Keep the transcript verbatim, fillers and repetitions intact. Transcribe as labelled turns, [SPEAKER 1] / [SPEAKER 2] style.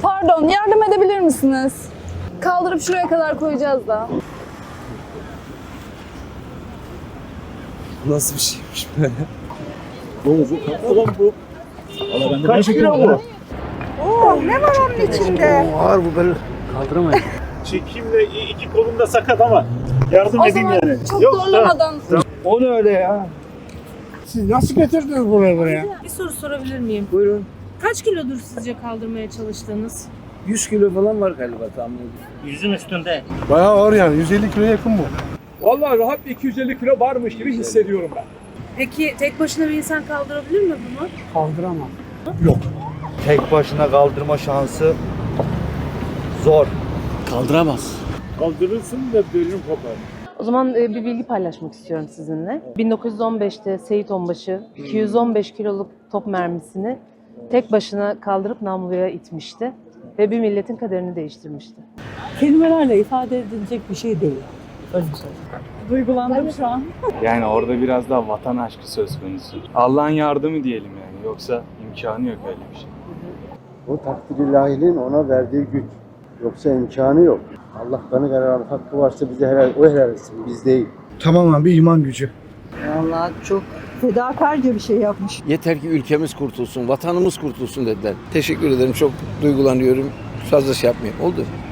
[SPEAKER 1] Pardon, yardım edebilir misiniz? Kaldırıp şuraya kadar koyacağız da.
[SPEAKER 2] Nasıl bir şeymiş böyle?
[SPEAKER 3] Oğlum bu. Kaç kilo bu?
[SPEAKER 4] Oo, ne var onun içinde?
[SPEAKER 2] Ağır bu böyle. Kaldıramayız.
[SPEAKER 3] Çekimle iki kolum da sakat ama yardım
[SPEAKER 1] O
[SPEAKER 3] edeyim
[SPEAKER 1] zaman
[SPEAKER 3] yani.
[SPEAKER 1] çok
[SPEAKER 3] Yok,
[SPEAKER 1] zorlamadan.
[SPEAKER 2] O ne öyle ya?
[SPEAKER 5] Siz nasıl getirdiniz buraya buraya?
[SPEAKER 6] Bir soru sorabilir miyim?
[SPEAKER 2] Buyurun.
[SPEAKER 6] Kaç kilodur sizce kaldırmaya çalıştığınız?
[SPEAKER 2] yüz kilo falan var galiba tahmin ediyorum.
[SPEAKER 3] Yüzün üstünde.
[SPEAKER 5] Bayağı ağır yani. yüz elli kiloya yakın bu.
[SPEAKER 7] Vallahi rahat bir iki yüz elli kilo varmış gibi hissediyorum ben.
[SPEAKER 6] Peki tek başına bir insan kaldırabilir mi bunu?
[SPEAKER 5] Kaldıramam.
[SPEAKER 8] Tek başına kaldırma şansı zor.
[SPEAKER 2] Kaldıramaz.
[SPEAKER 3] Kaldırırsın da bölüm kopar.
[SPEAKER 9] O zaman e, bir bilgi paylaşmak istiyorum sizinle. bin dokuz yüz on beşte Seyit Onbaşı iki yüz on beş kiloluk top mermisini tek başına kaldırıp namluya itmişti ve bir milletin kaderini değiştirmişti.
[SPEAKER 10] Kelimelerle ifade edilecek bir şey değil. Öyle söyleyeyim. Duygulandım şu an.
[SPEAKER 11] Yani orada biraz daha vatan aşkı söz konusu. Allah'ın yardımı diyelim yani. Yoksa imkanı yok öyle bir şey.
[SPEAKER 12] O takdir ilahinin ona verdiği güç. Yoksa imkanı yok. Allah kanı kararı hakkı varsa bize helal, o helal etsin, biz değil.
[SPEAKER 5] Tamamen bir iman gücü.
[SPEAKER 4] Vallahi çok fedakarca bir şey yapmış.
[SPEAKER 2] Yeter ki ülkemiz kurtulsun, vatanımız kurtulsun dediler. Teşekkür ederim. Çok duygulanıyorum. Fazla şey yapmayayım. Oldu.